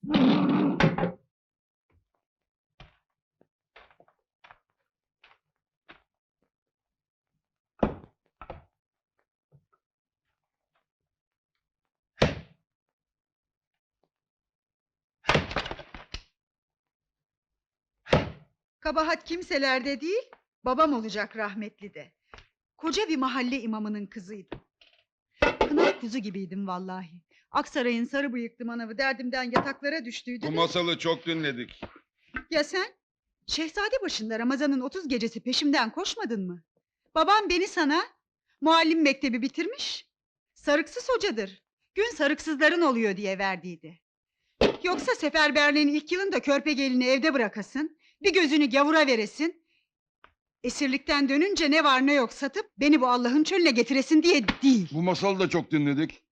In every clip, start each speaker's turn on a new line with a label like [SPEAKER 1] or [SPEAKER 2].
[SPEAKER 1] Kabahat kimselerde değil, babam olacak rahmetli de. Koca bir mahalle imamının kızıydım. Kınalı kuzu gibiydim vallahi. Aksaray'ın sarı bıyıklı manavı derdimden yataklara düştüydü
[SPEAKER 2] Bu
[SPEAKER 1] de.
[SPEAKER 2] masalı çok dinledik.
[SPEAKER 1] Ya sen? Şehzade başında Ramazan'ın 30 gecesi peşimden koşmadın mı? Babam beni sana muallim mektebi bitirmiş. Sarıksız hocadır. Gün sarıksızların oluyor diye verdiydi. Yoksa seferberliğin ilk yılında körpe gelini evde bırakasın, bir gözünü gavura veresin, esirlikten dönünce ne var ne yok satıp beni bu Allah'ın çölüne getiresin diye değil.
[SPEAKER 2] Bu masalı da çok dinledik.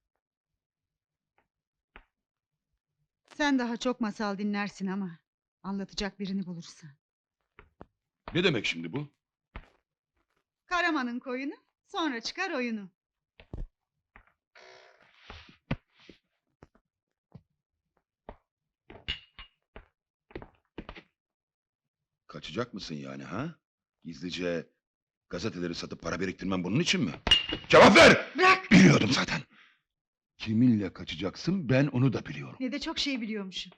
[SPEAKER 1] Sen daha çok masal dinlersin ama anlatacak birini bulursan.
[SPEAKER 2] Ne demek şimdi bu?
[SPEAKER 1] Karaman'ın koyunu, sonra çıkar oyunu.
[SPEAKER 2] Kaçacak mısın yani ha? Gizlice gazeteleri satıp para biriktirmem bunun için mi? Cevap ver!
[SPEAKER 1] Bırak!
[SPEAKER 2] Biliyordum zaten. Kiminle kaçacaksın ben onu da biliyorum.
[SPEAKER 1] Ne de çok şey biliyormuşum.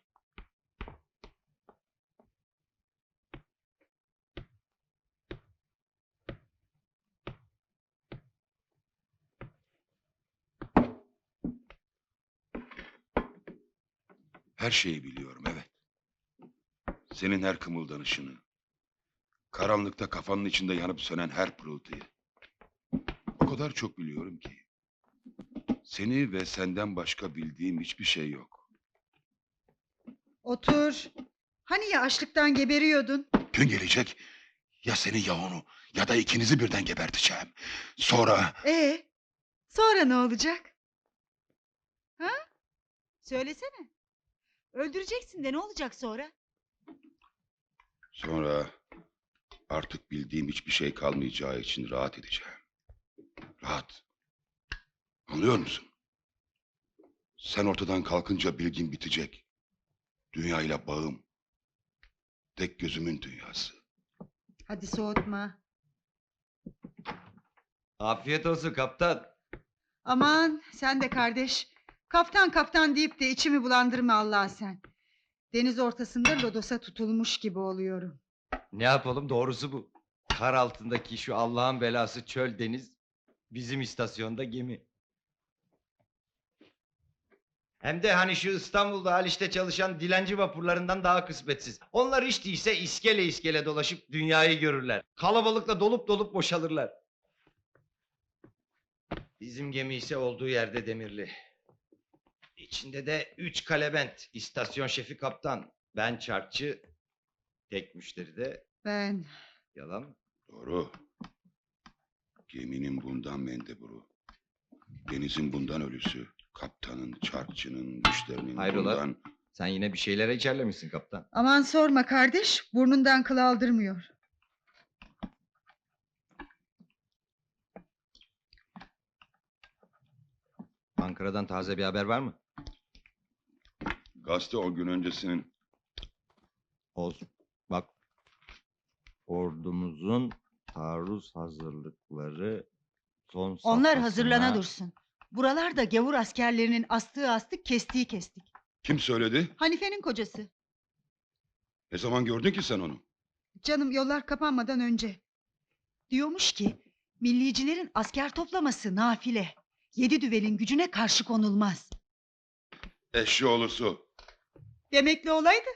[SPEAKER 2] Her şeyi biliyorum, evet. Senin her kımıldanışını, karanlıkta kafanın içinde yanıp sönen her pırıltıyı. O kadar çok biliyorum ki. Seni ve senden başka bildiğim hiçbir şey yok.
[SPEAKER 1] Otur. Hani ya açlıktan geberiyordun?
[SPEAKER 2] Gün gelecek, ya seni ya onu ya da ikinizi birden geberteceğim. Sonra...
[SPEAKER 1] Sonra ne olacak? Ha? Söylesene. Öldüreceksin de ne olacak sonra?
[SPEAKER 2] Sonra artık bildiğim hiçbir şey kalmayacağı için rahat edeceğim. Rahat. Anlıyor musun? Sen ortadan kalkınca bilgin bitecek. Dünyayla bağım. Tek gözümün dünyası.
[SPEAKER 1] Hadi soğutma.
[SPEAKER 3] Afiyet olsun kaptan.
[SPEAKER 1] Aman sen de kardeş. Kaftan kaftan deyip de içimi bulandırma Allah sen. Deniz ortasında lodosa tutulmuş gibi oluyorum.
[SPEAKER 3] Ne yapalım, doğrusu bu. Kar altındaki şu Allah'ın belası çöl deniz, bizim istasyonda gemi. Hem de hani şu İstanbul'da Haliç'te çalışan dilenci vapurlarından daha kısmetsiz. Onlar hiç değilse iskele iskele dolaşıp dünyayı görürler. Kalabalıkla dolup dolup boşalırlar. Bizim gemi ise olduğu yerde demirli. İçinde de 3 kalebent, istasyon şefi kaptan, ben çarkçı, tek müşteri de
[SPEAKER 1] Ben...
[SPEAKER 3] yalan mı?
[SPEAKER 2] Doğru. Geminin bundan mendeburu. Denizin bundan ölüsü. Kaptanın, çarkçının, müşterinin
[SPEAKER 3] Hayrola?
[SPEAKER 2] bundan...
[SPEAKER 3] Sen yine bir şeylere içerlemişsin kaptan.
[SPEAKER 1] Aman sorma kardeş. Burnundan kıl aldırmıyor.
[SPEAKER 3] Ankara'dan taze bir haber var mı?
[SPEAKER 2] Gazete o gün öncesinin...
[SPEAKER 3] Olsun. Bak. Ordumuzun taarruz hazırlıkları son safhasına...
[SPEAKER 1] Onlar hazırlana dursun. Buralarda gavur askerlerinin astığı astık, kestiği kestik.
[SPEAKER 2] Kim söyledi?
[SPEAKER 1] Hanife'nin kocası.
[SPEAKER 2] Ne zaman gördün ki sen onu?
[SPEAKER 1] Canım yollar kapanmadan önce. Diyormuş ki millicilerin asker toplaması nafile. 7 düvelin gücüne karşı konulmaz.
[SPEAKER 2] Eşşoğlusu.
[SPEAKER 1] Demekli olaydı.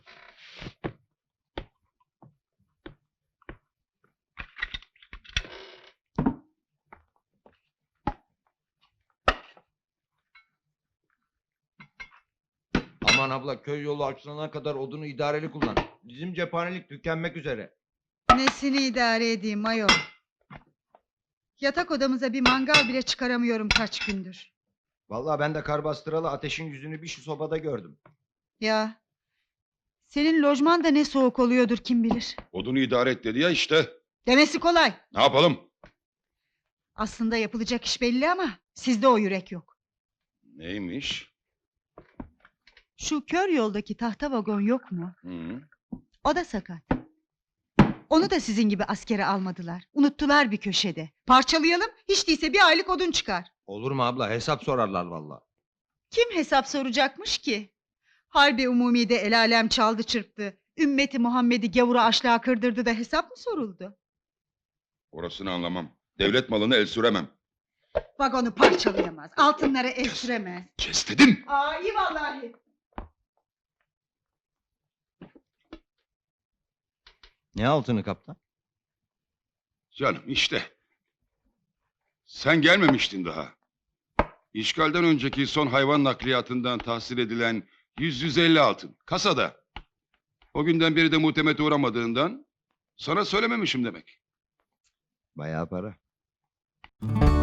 [SPEAKER 3] Aman abla, köy yolu açılana kadar odunu idareli kullan. Bizim cephanelik tükenmek üzere.
[SPEAKER 1] Nesini idare edeyim ayol. Yatak odamıza bir mangal bile çıkaramıyorum kaç gündür.
[SPEAKER 3] Vallahi ben de kar bastıralı ateşin yüzünü bir şu sobada gördüm.
[SPEAKER 1] Ya senin lojman da ne soğuk oluyordur kim bilir.
[SPEAKER 2] Odunu idare et dedi ya işte.
[SPEAKER 1] Demesi kolay.
[SPEAKER 2] Ne yapalım?
[SPEAKER 1] Aslında yapılacak iş belli ama sizde o yürek yok.
[SPEAKER 2] Neymiş?
[SPEAKER 1] Şu kör yoldaki tahta vagon yok mu?
[SPEAKER 2] Hı.
[SPEAKER 1] O da sakat. Onu da sizin gibi askere almadılar. Unuttular bir köşede. Parçalayalım, hiç değilse bir aylık odun çıkar.
[SPEAKER 3] Olur mu abla? Hesap sorarlar vallahi.
[SPEAKER 1] Kim hesap soracakmış ki? Harbi umumide el alem çaldı çırptı. Ümmeti Muhammed'i gavura açlığa kırdırdı da hesap mı soruldu?
[SPEAKER 2] Orasını anlamam. Devlet malını el süremem.
[SPEAKER 1] Vagonu parçalayamaz, altınları el süremez.
[SPEAKER 2] Kes dedim.
[SPEAKER 1] Aa iyi vallahi.
[SPEAKER 3] Ne altını kaptan?
[SPEAKER 2] Canım işte. Sen gelmemiştin daha. İşgalden önceki son hayvan nakliyatından tahsil edilen 150 altın. Kasada. O günden beri de muhtemete uğramadığından sana söylememişim demek.
[SPEAKER 3] Bayağı para.